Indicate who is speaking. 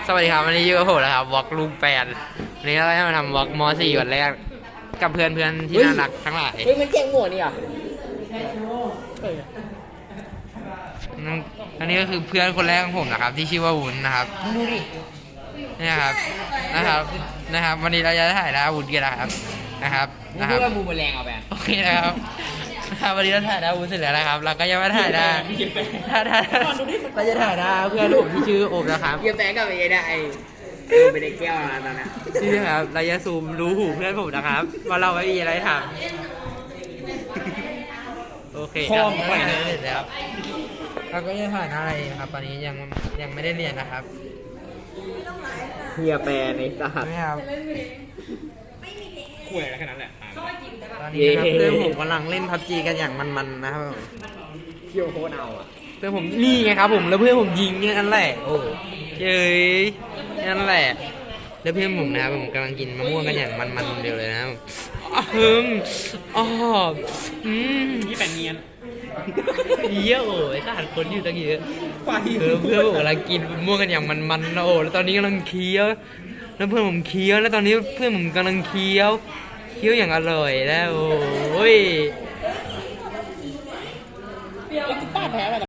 Speaker 1: สวัสดีครับวันนี้อยู่กับผมนะครับวอล์กลุงแปดวันนี้เราจะมาทำวอล์กม.4 วันแรกกับเพื่อนที่น่ารักทั้งหลาย
Speaker 2: มันเก่งหมวนี่อ่ะ
Speaker 1: อันนี้ก็คือเพื่อนคนแรกของผมนะครับที่ชื่อว่าวุ้นนะครับนี่นะครับวันนี้เราจะถ่ายหน้าวุ้นกันนะครับ
Speaker 2: เพื่อบูมแรงเอาไป
Speaker 1: โอเคนะครับวันนี้เราถ่ายหน้าวุ้นเสร็จแล้วนะครับเราก็จะมาถ่ายหน้าเราจะถ่ายหน้าเพื่อนผมที่ชื่อโอมนะครับ
Speaker 2: เยี่ยมแปงกับไอ้ได้ไปในแก้วตอนนั้น
Speaker 1: นี่ครับเราจะซูมรู้หูเพื่อนผมนะครับว่าเราไม่มีอะไรทำโอเคครับปล่อยเลยเสร็จแล้วเราก็จะถ่ายหน้าอะไรครับตอนนี้ยังไม่ได้เรียนนะครับ
Speaker 2: เฮียแปรในสห
Speaker 1: ไม่ครับ
Speaker 3: คุยอะไรแค่นั้นแหละ
Speaker 1: ตอนนี้นะครับเพื่อนผมกำลังเล่นพับจีกันอย่างมันๆนะครับ
Speaker 2: เที่ยวโคตรเอาอ่ะ
Speaker 1: เพื่อนผมนี่ไงครับผมแล้วเพื่อนผมยิงนั่นแหละโอ้เย้ยนั่นแหละแล้วเพื่อนผมนะครับผมกำลังกินมะม่วงกันอย่างมันๆเดียวเลยนะครับ
Speaker 3: นี่แปลงเงียน
Speaker 1: เยอะโอ้ยขาดคนอยู่ตั้งเยอะเพื่อนผมกำลังกินมะม่วงกันอย่างมันๆนะโอ้แล้วตอนนี้กำลังเคี้ยวแล้วเพื่อนผมเคี้ยวแล้วตอนนี้เพื่อนผมกำลังเคี้ยวอย่างอร่อยแล้วโอ้ย
Speaker 2: ป้าแพ้